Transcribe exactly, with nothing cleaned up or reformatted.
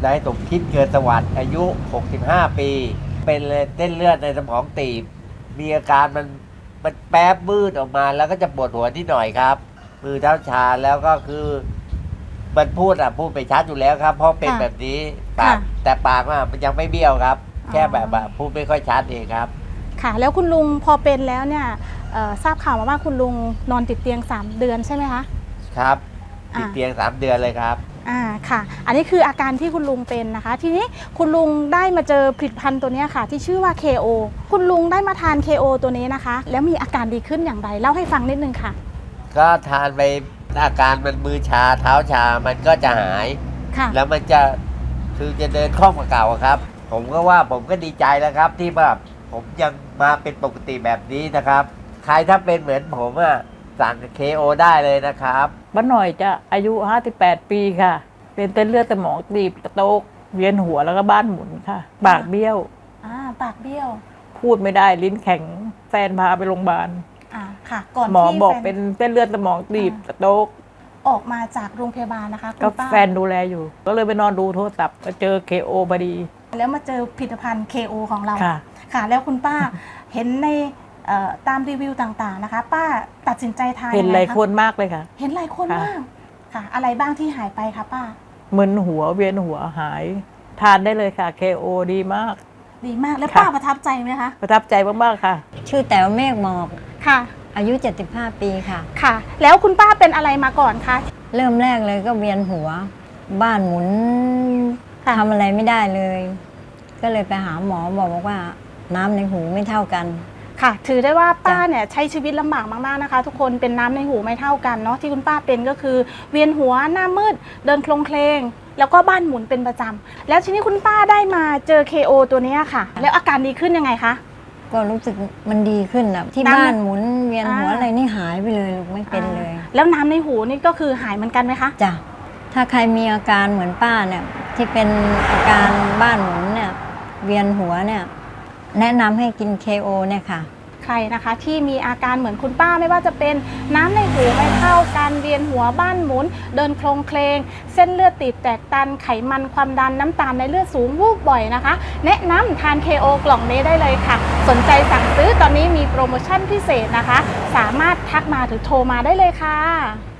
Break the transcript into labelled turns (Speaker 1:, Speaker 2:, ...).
Speaker 1: นายสมคิดเกิดสวัสดิ์อายุ หกสิบห้า ปี เป็นเส้นเลือดในสมองตีบ มีอาการมันมันแป๊บมืดออกมาแล้วก็จะปวดหัวนิดหน่อยครับ มือเท้าชาแล้วก็คือมันพูดอ่ะพูดไปชัดอยู่แล้วครับ เพราะเป็น
Speaker 2: ค่ะ
Speaker 1: แบบนี้ปาก
Speaker 2: ค่ะ
Speaker 1: แต่ปากอ่ะมันยังไม่เบี้ยวครับ
Speaker 2: อ๋อ
Speaker 1: แค่แบบอ่ะพูดไม่ค่อยชัดเองครับ
Speaker 2: ค่ะ แล้วคุณลุงพอเป็นแล้วเนี่ยเอ่อทราบข่าวมาว่าคุณลุงนอนติดเตียงสามเดือนใช่ไหมคะ
Speaker 1: ครับ
Speaker 2: อ่า
Speaker 1: ติดเตียงสามเดือนเลยครับ
Speaker 2: อ่าค่ะ อันนี้คืออาการที่คุณลุงเป็นนะคะ ทีนี้คุณลุงได้มาเจอผลิตภัณฑ์ตัวเนี้ยค่ะ ที่ชื่อว่า เค โอ คุณลุงได้มาทาน เค โอ ตัวนี้นะคะ แล้วมีอาการดีขึ้นอย่างไรเล่าให้ฟังนิดนึงค่ะ
Speaker 1: ก็ทานไปอาการมันมือชาเท้าชามันก็จะหาย
Speaker 2: ค่ะ
Speaker 1: แล้วมันจะคือจะเดินคล่องกว่าเก่าอะครับ ผมก็ว่าผมก็ดีใจแล้วครับ ที่แบบผมยังมาเป็นปกติแบบนี้นะครับ ใครถ้าเป็นเหมือนผมอะสั่ง เค โอ ได้เลยนะครับ
Speaker 3: บ้านหน่อยจะอายุ ห้าสิบแปด ปีค่ะ เป็นเส้นเลือดสมองตีบสโตรกเวียนหัวแล้วก็บ้านหมุนค่ะ ปากเบี้ยว
Speaker 2: อ่าปากเบี้ยว
Speaker 3: พูดไม่ได้ลิ้นแข็ง แฟนพาไปโรงพยาบาล
Speaker 2: อ่าค่ะ ก่อน
Speaker 3: หมอ
Speaker 2: ที่
Speaker 3: บอก
Speaker 2: แฟน
Speaker 3: เป็นเส้นเลือดสมองตีบ
Speaker 2: อ่า
Speaker 3: สโตรก
Speaker 2: ออกมาจากโรงพยาบาลนะคะคุ
Speaker 3: ก็
Speaker 2: ณป้า
Speaker 3: แฟนดูแลอยู่ ก็เลยไปนอนดูโทรศัพท์ก็เจอ เค โอ พอดี
Speaker 2: แล้วมาเจอผลิตภัณฑ์ เค โอ ของเรา
Speaker 3: ค่ะ
Speaker 2: ค่ะ แล้วคุณป้า เห็นในเอ่อตามรีวิวต่างๆนะคะ ป้าตัดสินใจทาน
Speaker 3: เห็น
Speaker 2: ง
Speaker 3: ห
Speaker 2: ไง
Speaker 3: ลาย
Speaker 2: คะ
Speaker 3: คนมากเลยค่ะ
Speaker 2: เห็นหลายคน
Speaker 3: ค่ะ
Speaker 2: มากค่ะ อะไรบ้างที่หายไปคะป้า
Speaker 3: มึนหัวเวียนหัวหาย ทานได้เลยค่ะ เค โอ ดีมาก
Speaker 2: ดีมากแล้ว
Speaker 3: ค่ะ
Speaker 2: ป้าประทับใจไหมคะ
Speaker 3: ประทับใจมากๆค่ะ
Speaker 4: ชื่อแต๋วเมฆหมอก
Speaker 2: ค่ะ
Speaker 4: อายุ เจ็ดสิบห้า ปีค่ะ
Speaker 2: ค่ะ แล้วคุณป้าเป็นอะไรมาก่อนคะ
Speaker 4: เริ่มแรกเลยก็เวียนหัว บ้านหมุน
Speaker 2: ค่ะ
Speaker 4: ทำอะไรไม่ได้เลย ก็เลยไปหาหมอบอกว่าน้ำในหูไม่เท่ากัน
Speaker 2: ค่ะ ถือได้ว่าป้า
Speaker 4: จ้ะ
Speaker 2: เนี่ยใช้ชีวิตลำบากมากๆนะคะ ทุกคนเป็นน้ำในหูไม่เท่ากันเนาะที่คุณป้าเป็นก็คือ เวียนหัวหน้ามืดเดินโคลงเคลงแล้วก็บ้านหมุนเป็นประจำแล้วทีนี้คุณป้าได้มาเจอ เค โอ ตัวเนี้ยค่ะ แล้วอาการดีขึ้นยังไงคะ
Speaker 4: ก็รู้สึกมันดีขึ้นอะที่
Speaker 2: น้ำ
Speaker 4: บ้านหมุนเวียนหัว
Speaker 2: อ่า
Speaker 4: อะไรนี่หายไปเลยลูกไม่เป็นเลย
Speaker 2: อ่าแล้วน้ำในหูนี่ก็คือหายเหมือนกันไหมคะ
Speaker 4: จ้ะถ้าใครมีอาการเหมือนป้าเนี่ยที่เป็นอาการบ้านหมุนเนี่ยเวียนหัวเนี่ยแนะนำให้กิน เค โอ เนี่ยค่ะ
Speaker 2: ใครนะคะที่มีอาการเหมือนคุณป้าไม่ว่าจะเป็นน้ำในหูไม่เท่ากันเวียนหัวบ้านหมุน เดินโคลงเคลงเส้นเลือดตีบแตกตันไขมันความดันน้ำตาลในเลือดสูงวูบบ่อยนะคะ แนะนำทาน เค โอ กล่องนี้ได้เลยค่ะ สนใจสั่งซื้อตอนนี้มีโปรโมชั่นพิเศษนะคะ สามารถทักมาหรือโทรมาได้เลยค่ะ